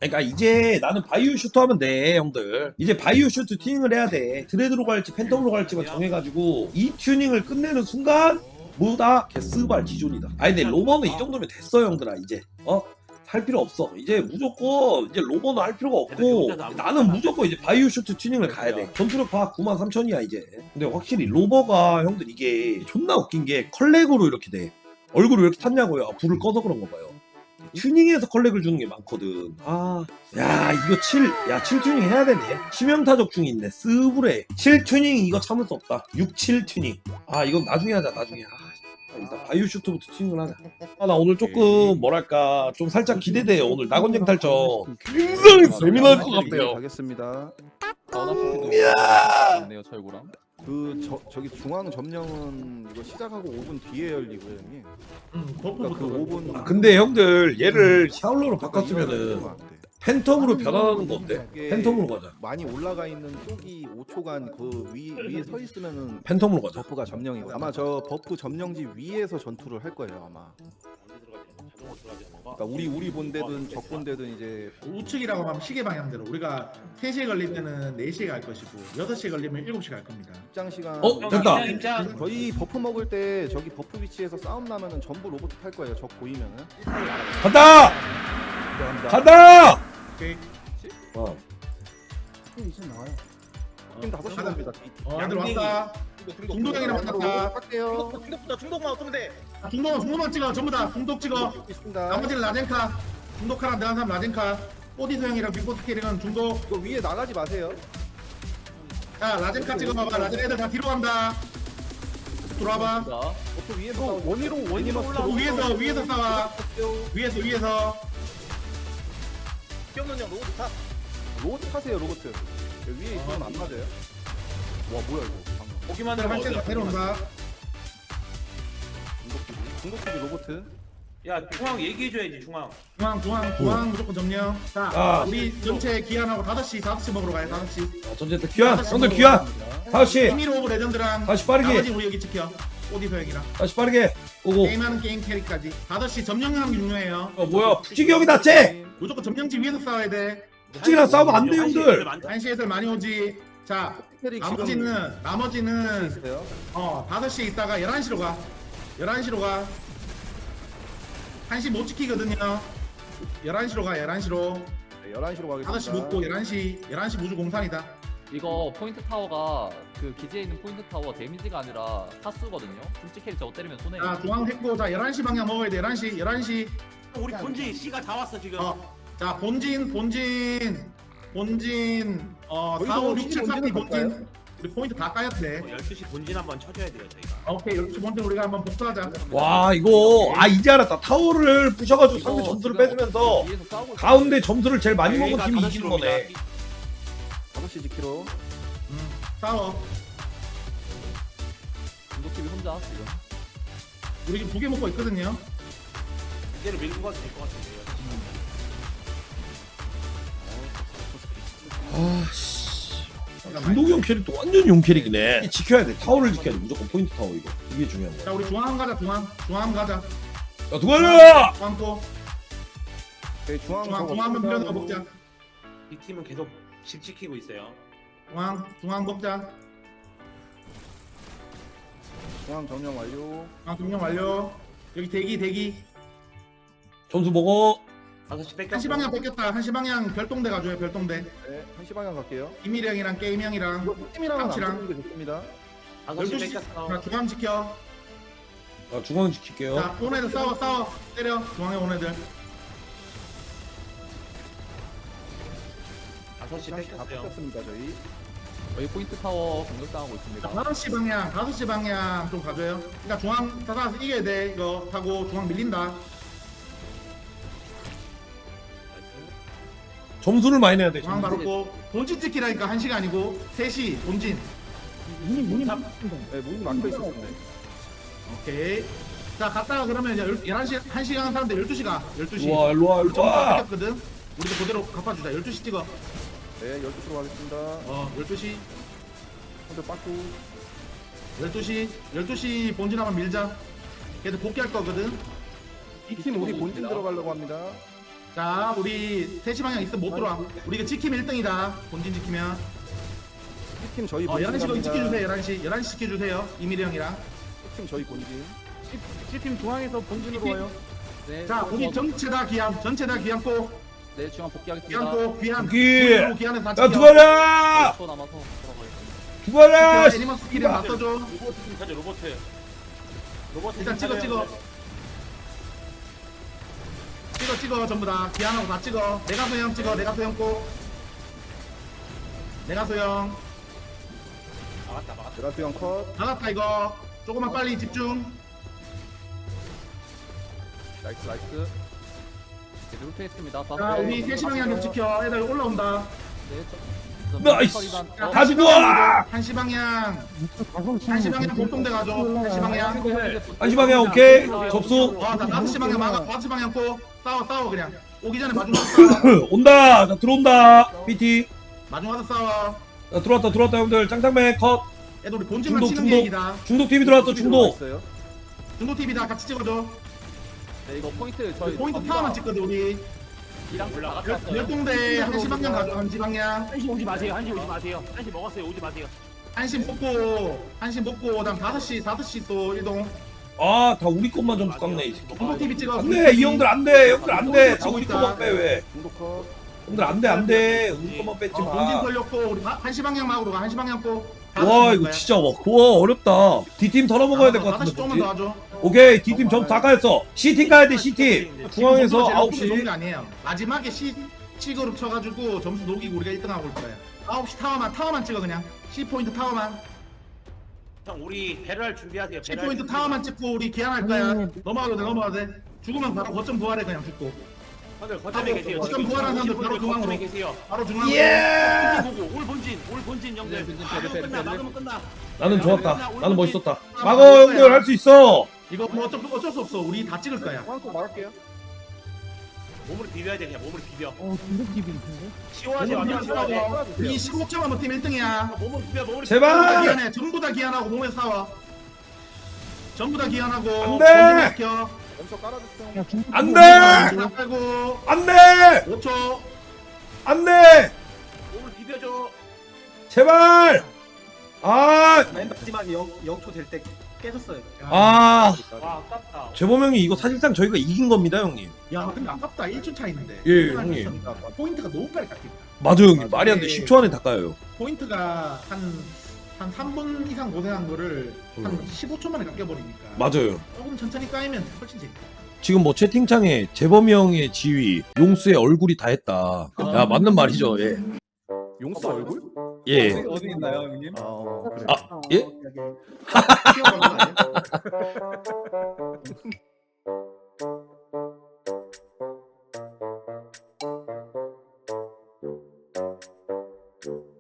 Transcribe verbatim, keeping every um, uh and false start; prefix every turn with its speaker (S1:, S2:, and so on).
S1: 그러니까 이제 나는 바이오 슈트 하면 돼 형들. 이제 바이오 슈트 튜닝을 해야 돼. 드레드로 갈지 팬텀으로 갈지만 정해가지고 이 튜닝을 끝내는 순간 뭐다 개스발 기존이다. 아니 근데 로버는 이 정도면 됐어 형들아. 이제 어? 할 필요 없어. 이제 무조건 이제 로버는 할 필요가 없고 나는 무조건 이제 바이오 슈트 튜닝을 가야 돼. 전투력 봐 구만 삼천이야 이제. 근데 확실히 로버가 형들 이게 존나 웃긴 게 컬렉으로 이렇게 돼. 얼굴을 왜 이렇게 탔냐고요. 아, 불을 꺼서 그런 거 봐요. 튜닝해서 컬렉을 주는 게 많거든. 아, 야 이거 칠, 야 칠 튜닝 해야 되네. 치명타적 중이 있네. 스브레. 칠 튜닝 이거 참을 수 없다. 육, 칠 튜닝. 아 이건 나중에 하자. 나중에. 아, 일단 바이오 슈트부터 튜닝을 하자. 아, 나 오늘 조금 뭐랄까 좀 살짝 기대돼요. 오늘 낙원쟁 탈전 굉장히 재미날 것 같아요.
S2: 가겠습니다.
S1: 이야.
S3: 네요 철구랑.
S2: 그 저, 저기 중앙 점령은 이거 시작하고 오 분 뒤에 열리고요, 형님.
S4: 응,
S2: 그러니까 그 오 분.
S1: 아, 근데 형들 얘를 샤울러로 바꿨으면은 팬텀으로 변환하는 거 어때? 팬텀으로 가자.
S2: 많이 올라가 있는 쪽이 오 초간 그 위, 위에 서 있으면은
S1: 팬텀으로 가자.
S2: 버프가 점령이고 아마 저 버프 점령지 위에서 전투를 할 거예요 아마. 그러니까 우리 우리 본대든 적 본대든 이제
S4: 우측이라고 하면 시계 방향대로 우리가 세 시에 걸릴 때는 네 시에 갈 것이고 여섯 시에 걸리면 일곱 시에 갈 겁니다.
S2: 입장 시간.
S1: 어 됐다.
S2: 저희 버프 먹을 때 저기 버프 위치에서 싸움 나면은 전부 로봇 탈 거예요. 적 보이면은.
S1: 간다.
S2: 들어갑니다.
S1: 간다.
S4: 오케이.
S1: 어.
S2: 팀 다섯 시
S4: 가자.
S2: 겁니다.
S4: 어, 애들 왔다. 중독형이랑 만났다.
S2: 할게요.
S5: 중독부터 중독만 없으면 돼.
S4: 아, 중독, 중독만 찍어. 전부 다 중독 찍어.
S2: 있습니다.
S4: 나머지는 라젠카. 중독카랑 내가 사람 라젠카. 오디서 형이랑 빅보스 캐릭은 중독.
S2: 이거 위에 나가지 마세요.
S4: 자, 라젠카 찍어봐봐. 라젠 애들 다 뒤로 간다. 들어와봐.
S2: 버프 위에서 싸우고 원위로 원위로
S4: 어, 위에서, 위에서 싸워. 위에서, 위에서.
S5: 뿅는 형 로봇 타.
S2: 로봇 타세요 로봇. 여기 위에 있으면 안 맞아요. 와 뭐야 이거. 방금.
S5: 보기만
S4: 애들
S5: 해도
S4: 한채 다 내려온다.
S2: 중독기지. 중독기지 로봇.
S5: 야 중앙 얘기해줘야지 중앙.
S4: 중앙, 중앙, 중앙 무조건 점령. 자,
S1: 아.
S4: 우리 전체 기한하고 다섯 시, 다섯 시 먹으러 가요. 다섯 시.
S1: 아, 전체들 귀한. 형들 귀한. 다섯 시.
S4: 이미로 오브 레전드랑
S1: 다시 빠르게.
S4: 나머지 우리 여기 지켜. 오디서 형이랑.
S1: 다시 빠르게. 오고.
S4: 게임하는 게임 캐릭까지. 다섯 시 점령하는 게 중요해요.
S1: 어 뭐야? 푸지기 형이 낫지?
S4: 무조건 점령지 위에서 싸워야 돼.
S1: 푸지기랑 싸우면 안 돼 형들.
S4: 한시 애들 많이 오지. 자,
S2: 캐릭
S4: 나머지는 나머지는
S2: 있어요.
S4: 어 다섯 시에 있다가 열한 시로 가. 열한 시로 가. 한 시 못 지키거든요. 열한 시로 가. 열한 시로.
S2: 네, 열한 시로 가겠습니다.
S4: 다섯 시 먹고 열한 시. 열한 시 무주 공산이다.
S3: 이거 포인트 타워가 그 기지에 있는 포인트 타워 데미지가 아니라 타수거든요. 솔직히 저거 때리면 손해.
S4: 자, 중앙 했고 자, 열한 시 방향 먹어야 돼. 열한 시. 열한 시.
S5: 우리 본지 C가 다 왔어 지금.
S4: 어. 자, 본진 본진 본진 어
S2: 저희도
S4: 사, 오, 육,
S2: 본진
S4: 칠, 삼, 이
S2: 본진을
S4: 본진.
S2: 갈까요?
S4: 우리 포인트 다 까였대.
S5: 어, 열두 시 본진 한번 쳐줘야 돼요 저희가.
S4: 오케이, 열두 시 본진 우리가 한번 복수하자.
S1: 와 이거 아 이제 알았다. 타워를 부셔가지고 상대 점수를 뺏으면서
S3: 위에서 싸우고 있어요.
S1: 가운데 점수를 제일 많이 먹은
S5: 여기가
S1: 팀이
S5: 다섯
S1: 이기는
S5: 시로입니다.
S1: 거네.
S2: 다섯 시 지키로.
S4: 음, 싸워.
S3: 중독팀이 혼자 지금.
S4: 우리 지금 두 개 먹고 있거든요.
S5: 이대로 밀고 가도 될 것 같은데요.
S1: 아씨. 중독이 형 캐릭터 완전 용 캐릭이네. 지켜야 돼. 타워를 지켜야 돼. 무조건 포인트 타워 이거. 이게 중요한
S4: 자,
S1: 거야.
S4: 우리 중앙 가자. 중앙. 중앙 가자.
S1: 야 누가야?
S4: 중앙 또.
S2: 네, 중앙
S4: 중앙 중앙 한번 밀어넣어 먹자.
S5: 이 팀은 계속 집 지키고 있어요.
S4: 중앙 중앙 먹자.
S2: 중앙 점령 완료.
S4: 중앙 점령 완료. 여기 대기 대기.
S1: 점수 먹어.
S5: 다섯 시 뺏겼어.
S4: 한시 방향 뺏겼다. 한시 방향 별동대 가줘요. 별동대.
S2: 네, 한 시 방향 갈게요.
S4: 이밀 형이랑 게임 형이랑.
S2: 이거 팀이랑은 안
S4: 깜치랑.
S2: 붙는 게 좋습니다.
S5: 다섯 시
S4: 열두 시.
S5: 뺏겼어.
S4: 자, 중앙 지켜.
S1: 아 중앙 지킬게요.
S4: 자, 온 애들 싸워 싸워. 때려. 중앙에 온 애들.
S5: 다섯 시
S2: 다
S5: 뺏겼어요.
S2: 뺏겼습니다 저희.
S3: 저희 포인트 타워 공격당하고
S4: 자,
S3: 있습니다.
S4: 다섯 시 방향, 다섯 시 방향 좀 가줘요. 그러니까 중앙 따라서 이겨야 돼. 이거 하고 중앙 밀린다.
S1: 점수를 많이 내야 돼.
S4: 중앙 바로 고 본진 지키라니까 한 시가 아니고 세 시 본진.
S2: 네, 문이 막혀 있었는데.
S4: 오케이. 자, 갔다가 그러면 이제 열- 열한 시, 한 시 가는 사람들 열두 시 가. 열두 시.
S1: 일로와 일로와
S4: 우리 점수 다
S1: 일로와.
S4: 뺏겼거든. 우리도 그대로 갚아주자. 열두 시 찍어.
S2: 네, 열두 시로 가겠습니다.
S4: 어, 열두 시.
S2: 한대 빠꾸.
S4: 열두 시. 열두 시 본진 한번 밀자. 걔들 복귀할 거거든.
S2: 이 팀 우리 본진 들어가려고 합니다.
S4: 자 우리 세 시 방향 있으면 못 들어와. 우리 이거 지키면 일 등이다. 본진 지키면.
S2: 팀 저희
S4: 어,
S2: 본진
S4: 열한 시 거기
S2: 갑니다.
S4: 지켜주세요. 열한 시 열한 시 지켜주세요. 이미리 형이랑.
S2: 팀 저희 본진.
S6: C팀 중앙에서 본진으로 와요.
S3: 네,
S4: 자
S3: 저-
S4: 우리
S3: 저-
S4: 전체 다 귀한 전체 다 귀한 꼬
S3: 네, 중앙 복귀하겠습니다.
S4: 귀한 꼬 귀한
S1: 여기!
S4: 본진으로 귀한에서 다
S1: 야
S4: 지켜.
S1: 두가라
S3: 초 남아서 들어가겠습니다.
S1: 두가라
S4: 지켜. 애니멀 스킬이랑 맞서줘.
S5: 로봇 좀 찾아 로봇. 로봇
S4: 일단
S5: 좀
S4: 찍어
S5: 찾아요.
S4: 찍어. 찍어 찍어 전부 다 귀한하고 다 찍어. 내가 소형 찍어. 내가 소형 꼬. 내가 소형.
S5: 막았다 막았다.
S2: 드라트 형 컷.
S4: 나갔다 이거. 조금만 빨리 집중.
S2: 나이스 나이스.
S3: 네, 루트했습니다.
S4: 자 우리 세 시 방향 좀 지켜. 애들 올라온다.
S3: 네, 저, 저
S1: 나이스.
S3: 처리단-
S4: 자,
S3: 어,
S1: 다 죽어
S4: 한시 방향. 한시 방향 공동대 가죠. 한시 방향.
S1: 한시 방향 오케이 접수
S4: 와, 나 다섯 시 방향 막아. 다섯 시 방향 꼬. 싸워, 싸워 그냥. 오기 전에 마중 와서 싸워.
S1: 온다 자 들어온다 피티
S4: 마중 와서 싸워.
S1: 자 들어왔다 들어왔다 형들 짱짱맨 컷
S4: 애들 우리 본진만
S1: 중독,
S4: 치는
S1: 중독.
S4: 계획이다.
S1: 중독 티비 들어왔어 중독
S2: 있어요.
S4: 중독 티비다 같이 찍어줘.
S3: 네, 이거 포인트 저희
S4: 포인트 타워만 찍거든 우리.
S3: 이랑 다 같이
S4: 열-
S3: 왔어요.
S4: 열동대 한시 방향 가죠. 한시 방향.
S5: 한시 오지 마세요. 한시 오지 마세요. 한시 먹었어요. 오지 마세요.
S4: 한시 먹고 한시 먹고 그다음 다섯 시 다섯 시 또 이동.
S1: 아 다 우리 것만 점수 깎네 이 새끼
S4: 중독 티비 찍어.
S1: 안돼 이 형들 안돼 형들 안돼 다 우리
S4: 있다.
S1: 것만 빼왜
S2: 중독 컷.
S1: 형들 안돼 안돼 우리 것만 뺐지
S4: 지금 본진
S1: 마
S4: 걸렸고 우리 바- 한시 방향 막으로 가. 한시 방향 꼬.
S1: 와 이거 진짜 와 그거 어렵다 D팀 털어먹어야 될 것
S4: 다섯 시
S1: 같은데
S4: 조금만 더
S1: 뭐지?
S4: 하죠.
S1: 오케이 D팀 점수 다 까였어 C팀 가야 돼 C팀 중앙에서 아홉
S4: 제일 높은 게
S1: 시
S4: 아니에요. 마지막에 C C그룹 쳐가지고 점수 녹이고 우리가 일 등 하고 올 거예요. 아홉 시 타워만 타워만 찍어 그냥. C 포인트 타워만.
S5: 형 우리 배럴 준비하세요.
S4: C
S5: 배럴
S4: 포인트
S5: 준비.
S4: 타워만 찍고 우리 기한할 거야. 넘어가도 돼 넘어가도 돼. 죽으면 바로 거점 부활해 그냥 죽고.
S5: 형들 거점에 계세요.
S4: 거점
S5: 지금
S4: 부활하는 사람들
S5: 오십
S4: 바로
S5: 분들
S4: 중앙으로.
S5: 거점에 계세요.
S4: 바로 중앙으로.
S1: 예
S5: 본진 보고 올 본진 올 본진 형들.
S3: 네, 본진
S5: 막으면
S3: 패드,
S5: 끝나
S3: 패드,
S5: 막으면 끝나.
S1: 나는 좋았다 나는 멋있었다 막어 형들 할 수 있어
S4: 이거 뭐 어쩔, 어쩔 수 없어. 우리 다 찍을 거야.
S2: 한쪽 막을게요.
S5: 몸으로 비벼야 돼 그냥 몸으로 비벼.
S6: 어, 중독집이 있는데?
S5: 시원하지 완전 시원하지.
S4: 우리 십오 점 한번 팀 일 등이야.
S5: 몸으로 비벼 몸으로.
S1: 제발!
S4: 기한해. 전부 다 기한하고 몸에서 싸워. 전부 다 기한하고.
S1: 안 돼!
S4: 본진을 지켜.
S2: 왼쪽 깔아줬어요.
S6: 야, 중독
S1: 안 돼!
S4: 다 깔고.
S1: 안돼
S4: 오 초.
S1: 안돼
S5: 몸을 비벼줘.
S1: 제발 아
S7: 맨 마지막에 영, 영초 될 때 깨졌어요.
S1: 아,
S5: 와 아깝다.
S1: 재범 형이 이거 사실상 저희가 이긴 겁니다, 형님.
S4: 야 근데 아깝다. 일 초 차이인데.
S1: 예, 형님.
S4: 포인트가 너무 빨리 깎인다.
S1: 맞아요, 형님. 말이 안 돼. 십 초 안에 다 까요.
S4: 포인트가 한, 한 삼 분 이상 고생한 거를 한
S1: 음.
S4: 십오 초 만에 깎여버리니까.
S1: 맞아요.
S4: 조금 천천히 까이면 훨씬 재밌다.
S1: 지금 뭐 채팅창에 재범이 형의 지위, 용수의 얼굴이 다 했다. 야, 맞는 말이죠, 예.
S2: 용수 얼굴?
S1: 예.
S7: 어디 있나요, 형님?
S2: 아, 어, 그래.
S1: 아, 예?
S4: 튀어나온 거 아니야?
S7: 아,